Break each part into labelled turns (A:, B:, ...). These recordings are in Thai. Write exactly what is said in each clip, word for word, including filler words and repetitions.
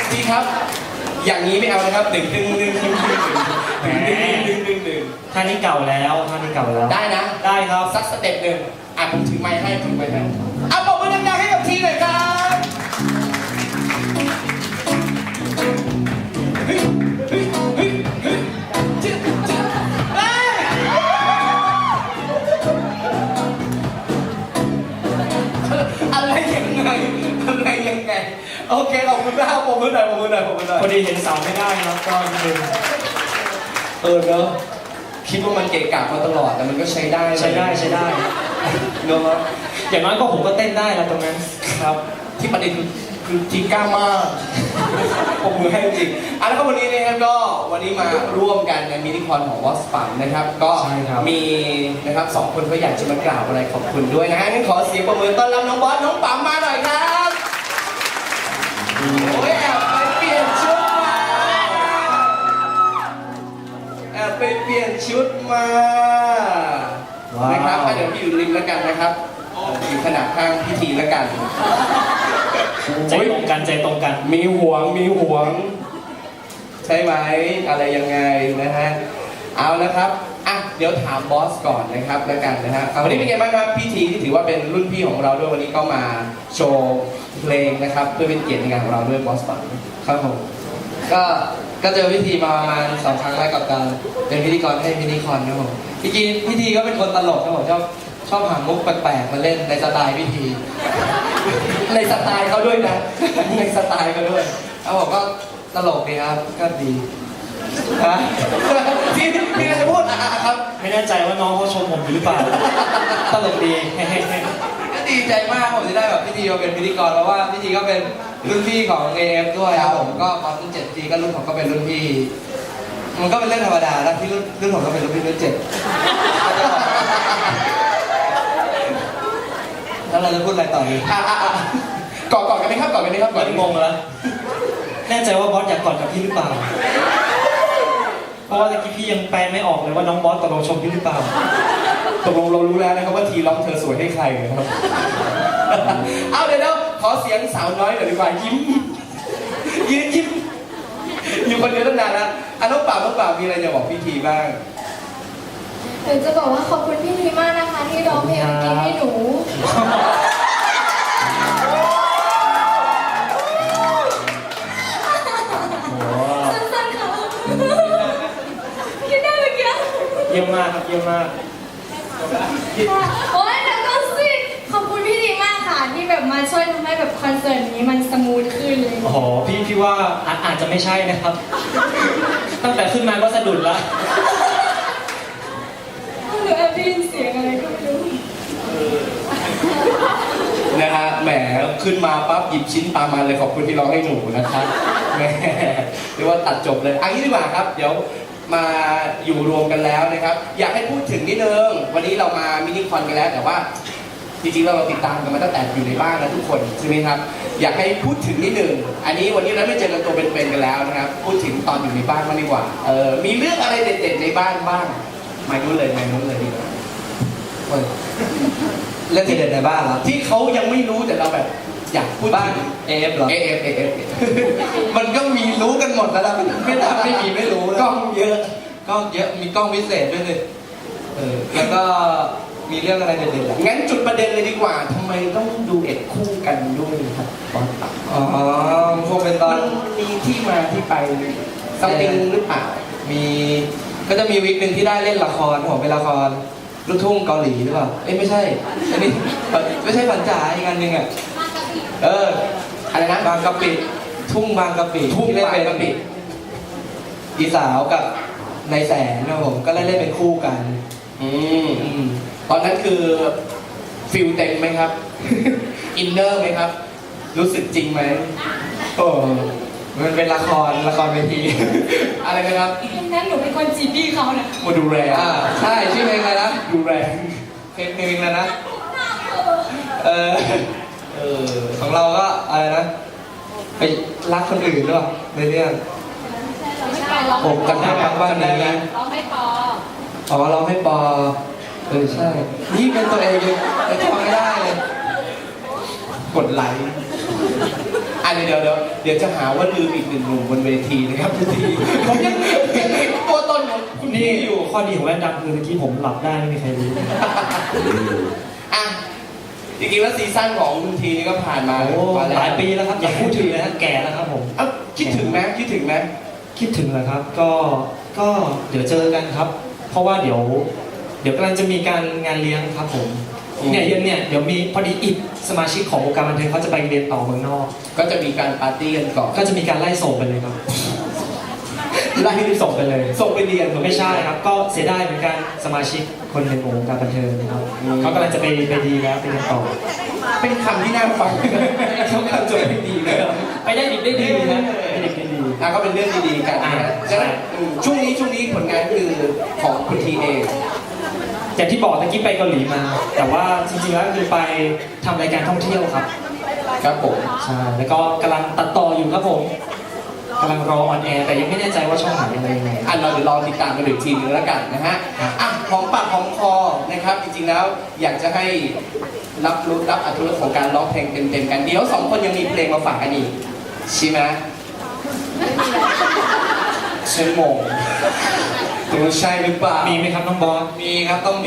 A: พี่ครับอย่างนี้ไม่เอานะครับหนึ่งหนึ่งหนึ่งหนึ่งหนึ่งหนึ่งหนึ่งหนึ่งหนึ่งหนึ่ง
B: ท่านี้เก่าแล้วท่านี้เก่าแล้ว
A: ได้นะ
B: ได้ครับ
A: สักสเต็ปหนึ่งอ่ะผมถือไม้ให้ถือไม้ให้เอาปรบมือดังๆให้กับทีหน่อยครับเฮ้ยเฮ้ยเฮ้ยเฮ้ยจิ๊บจิ๊บเฮ้ยอะไรยังไงอะไรยังไงโอเคขอบคุณมากปรบมือหน่อยปรบมือหน่อยปรบมือหน่อย
B: พอดีเห็นเสาไม่ได้ครับก็ดึง
A: เออเนอะคิดว่ามันเกะกะมาตลอดแต่มันก็ใช้ได้
B: ใช้ได้ใช้ได้
A: เนอะ
B: อย่างน้อยก็ผมก็เต้นได้แล้วตรงนั้นครับ
A: ที่ประเด็นคือคือทีกล้ามากผมมือให้จริงอ่ะแล้วก็วันนี้นะครับก็วันนี้มาร่วมกันในมินิคอนของวอสปันนะครับก็มีนะครับสองคนก็อยากจะมากล่าวอะไรขอบคุณด้วยนะฮะงั้นขอเสียงปรบมือต้อนรับน้องบอสน้องปั๊มมาหน่อยครับโอ้ยแอบไปเปลี่ยนชุดมาแอบไปเปลี่ยนชุดมานะครับเดี๋ยวพี่อยู่ริมแล้วกันนะครับอยู่ขนาดข้างพิธีแล้วกัน
B: ใจตรงกันใจตรงกัน
A: มีห่วงมีห่วงใช่ไหมอะไรยังไงนะฮะเอานะครับอ่ะเดี๋ยวถามบอสก่อนนะครับแล้วกันนะฮะวันนี้เป็นไงบ้างครับพิธีที่ถือว่าเป็นรุ่นพี่ของเราด้วยวันนี้ก็มาโชว์เพลงนะครับเพื่อเป็นเกียรติในงานของเราด้วยบอสปัง
C: ครับผมก็ก็เจอพิธีมาประมาณสองครั้งแล้วกับการเป็นพิธีกรให้มินิคอนครับผมจริงๆพิธีก็เป็นคนตลกครับผมชอบชอบหามุกแปลกๆมาเล่นในสไตล์พิธี
A: ในสไตล์เขาด้วยนะในสไตล์เขาด้วย
C: เอาผมก็ตลกดีครับก็ดีฮะ
A: ที่มีอะไรจะพูดอ่ะครับ
B: ไม่แน่ใจว่าน้องเขาชมผมอยู่หรือเปล่าตลกดี
C: ก็ดีใจมากผมจะได้แบบพิธีมาเป็นพิธีกรเพราะว่าพิธีก็เป็นรุ่นพี่ของ เอ เอฟ ด้วยครับผมก็ตอนรุ่นเจ็ดปีก็รุ่นผมก็เป็นรุ่นพี่มันก็เป็นเรื่องธรรมดาแล้วที่รุ่นรุ่นผมก็เป็นรุ่นพี่รุ่นเจ็ดแล้วเราจะพูดอะไรต่อดี
A: อ่ะอ่ะอ่ะกอดกอดกันไหมครับกอดกันไหมครับกอด
B: งงแล้วแน่ใจว่าบอสอยากกอดกับพี่หรือเปล่าเพราะว่าตะกี้พี่ยังแปลไม่ออกเลยว่าน้องบอสตกลงชมพี่หรือเปล่า
A: ตกลงเรารู้แล้วนะครับว่าทีร้องเธอสวยให้ใครครับเอาเดี๋ยวขอเสียงสาวน้อยหน่อยดีกว่ายิ้มยิ้มยิ้มอยู่คนเดียวตั้งนานแล้วอ่ะน้องป่าวน้องป่าวมีอะไรจะบอกพี่ทีบ้าง
D: หนูจะบอกว่าขอบคุณพี่ทีมากนะคะที่ร้องเพลงเมื่อกี้ให้หนูสั้นๆค่ะคิดได้เมื่อกี้
B: เยี่ยมมากครับเยี่ยมมาก
D: โอ้ยแล้วก็สิขอบคุณพี่ทีมากค่ะที่แบบมาช่วยทำให้แบบคอนเสิร์ตนี้มันสมูทขึ้นเลย
B: โอ้โหพี่พี่ว่าอาจจะไม่ใช่นะครับตั้งแต่ขึ้นมาก็สะดุดแล้ว
D: หนูแอบได้ยินเสียงอะไรก็ไม่รู้
A: นะฮะแหมขึ้นมาปั๊บหยิบชิ้นปลามาเลยขอบคุณที่ร้องให้หนูนะครับแหมเรียกว่าตัดจบเลยอันนี้ดีกว่าครับเดี๋ยวมาอยู่รวมกันแล้วนะครับอยากให้พูดถึงนิดนึงวันนี้เรามามินิคอนกันแล้วแต่ว่าจริงๆเราติดตามกันมาตั้งแต่อยู่ในบ้านนะทุกคนใช่ไหมครับอยากให้พูดถึงนิดนึงอันนี้วันนี้เราไม่เจอกันตัวเป็นๆกันแล้วนะครับพูดถึงตอนอยู่ในบ้านมากดีกว่าเออมีเรื่องอะไรเด็ดๆในบ้านบ้างไม่รู้เลยไม่รู้เลยดีกว่า
C: เรื่องที่เด็ดในบ้านเหรอ
A: ที่เขายังไม่รู้แต่เราแบบอยากพูด
C: บ้าน เอ เอฟ เหรอ
A: เอ เอฟ เอ เอฟ
C: มันก็มีรู้กันหมดแล้วนะไม่ได้ไม่มีไม่รู้
A: กล้องเยอะ
C: กล้องเยอะมีกล้องพิเศษด้วยเลยเออแล้วก็มีเรื่องอะไรเด็ดๆอ่ะ
A: งั้นจุดประเด็นเลยดีกว่าทำไมต้องดูเอ็ดคู่กันด้วยครับตอนตัด
C: อ๋อพวกเป็นตอน
A: มีที่มาที่ไปซัมติงหรือเปล่า
C: มีก็จะมีวิกหนึ่งที่ได้เล่นละครผมเป็นละครลูกทุ่งเกาหลีหรือเปล่าเอ้ยไม่ใช่อันนี้ไม่ใช่ฝันจ๋าอีกอันหนึ่งอ่ะเออ
A: อะไรนะ
C: บางกะปิทุ่งบางกะปิ
A: ทุ่งบางกะปิ
C: อีสาวกับนายแสนนะผมก็เล่นเล่นเป็นคู่กัน
A: อืมตอนนั้นคือฟิลเต็มไหมครับอินเนอร์ไหมครับรู้สึกจริงไหม
C: โอ้มันเป็นละครละครเวที
A: อะไรนะครับ
D: นั้นหนูเป็นคนจีบพี่เขานะ
A: มาดูแล
C: อ่าใช่ชื่อเพลงอะไรนะ
A: ดูแล
C: เพลงเพลงอะไรนะเออเออของเราก็อะไรนะไปรักคนอื่นหรือเปล่าในเรื่องผมกันได้ทั้งบ้านนี้นะ
D: ร้องให้ปอ
C: อ๋อร้องให้ปอเออใช่นี่เป็นตัวเองเลยแต่ทำไม่ได้เลยกดไลค์
A: อ่ะเดี๋ยวเดี๋ยวเดี๋ยวดี๋ยวจะหาว่าลืมอีกหนึ่งหนุ่มบนเวทีนะครับทุกทีผมยังยังเห็นตัวตนของคุณ
B: นี่
A: ทีอยู่
B: ข้อดีของแว่นดำคือเมื่อกี้ผมหลับได้ไม่มีใครรู้
A: อ่ะจริงๆแล้วซีซั่นของคุณทีนี่ก็ผ่านมา
B: โอ้
A: มาแว
B: หลายปีแล้วครับอย่าพูดถึงเลยนะแก่แล้วครับผม
A: เอ้าคิดถึงไหมคิดถึงไหม
B: คิดถึงเหรอครับ ก็ก็เดี๋ยวเจอกันครับ เพราะว่าเดี๋ยว เดี๋ยวกำลังจะมีการงานเลี้ยงครับผมเนี่ยเย็นเนี่ยเดี๋ยวมีพอดีอิดสมาชิกของวงการบันเทิงเขาจะไปเรียนต่อเมืองนอก
A: ก็จะมีการปาร์ตี้กันก่อน
B: ก็จะมีการไล่ส่งไปเลยครับ
A: ไล่
B: ส่งไปเลย
A: ส่งไปเรียน
B: ไม่ใช่ครับ ก็เสียดายเหมือนกันสมาชิกคนหนึ่งของวงการบันเทิงนะครับเขากำลังจะไปไปดีแล้วไปเรียนต่อ
A: เป็นคำที่น่าฟังเขาคำจบไม่ดีเลย
B: ไปได้ดีได้ดีนะไปได้ดีได้ดี
A: อ่ะก็เป็นเรื่องดีๆกันนะ
B: อ่า
A: ฉะนั้นอืมช่วงนี้ช่วงนี้ผลงานคือของคุณทีเอง
B: อย่างที่บอกตะกี้ไปเกาหลีมา แต่ว่าจริงๆแล้วคือไปทำรายการท่องเที่ยวครับ
A: ครับผม
B: ใช่ แล้วก็กำลังตัดต่ออยู่ครับผมกำลังรอออนแอร์แต่ยังไม่แน่ใจว่าช่องไหนอะไรยังไง
A: อ่ะเราเดี๋ยวรอติดตามกันอีกทีนึงแล้วกันนะฮะอ่ะของปากของคอนะครับ จริงๆแล้วอยากจะให้รับรู้รับอรรถรสของการร้องเพลงเต็มๆกันเดี๋ยวสองคนยังมีเพลงมาฝากกันอีกใช่ไหมชั่วโมงตัวใช่หรือเปล่า
B: มีไหมครับน้องบอส
A: มีครับต้องมี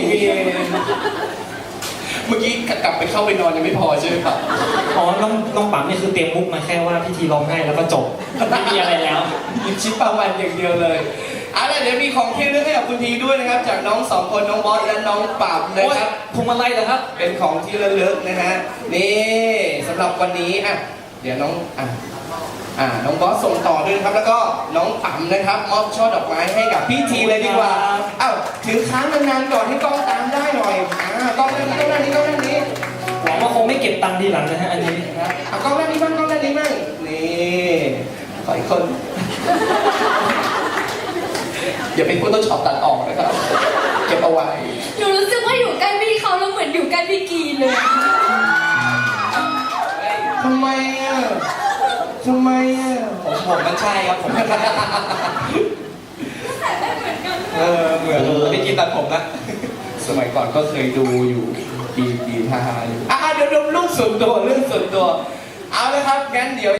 A: เมื่อกี้กลับไปเข้าไปนอนยังไม่พอใช่ไหมครับ
B: อ๋อ น้องน้องปั๊มนี่คือเตรียมมุกมาแค่ว่าพิธีร้องไห้แล้วก็จบ ไม่มีอะไรแล้ว
A: หยิบชิ้นปลาวันอย่างเดียวเลยเอาล่ะเดี๋ยวมีของที่ระลึกให้กับคุณทีด้วยนะครับ จากน้องสองคนน้องบอสและน้องปราบนะครับ
B: พวงมาลัยเหรอครับ
A: เป็นของที่ระลึกนะฮะนี่สำหรับวันนี้อ่ะเดี๋ยวน้องอ่ะอ่าน้องบอสส่งต่อด้วยนะครับ แล้วก็น้องปั๊มนะครับมอบช่อดอกไม้ให้กับพี่ทีเลยดีกว่าอ้าวถือค้างนานๆก่อนให้กล้องตามได้หน่อยอ่ากล้องด้านนี้กล้องด้านนี้กล้องด้านนี้
B: หวังว่าคงไม่เก็บตังค์ทีหลังนะฮะอันนี้
A: นะครับเอากล้องด้านนี้บ้างกล้องด้านนี้บ้างนี่ขออีกคน อย่าเป็นโฟโต้ช็อปตัดออกนะครับ เก็บเอาไว้
D: หนูรู้สึกว่าอยู่ใกล้พี่เขาแล้วเหมือนอยู่ใกล้พี่กีเลย
A: ทำไมอ่ะ ทำไมอ่ะ
C: ผมผมมันใช่ครับผมมันใช่
A: เออ เหมือน
C: ไม่กินตัดผมนะ
A: สมัยก่อนก็เคยดูอยู่กีกีทาฮาอยู่อ่ะเดี๋ยวเรื่องส่วนตัวเรื่องส่วนตัว เอาละครับ งั้นเดี๋ยว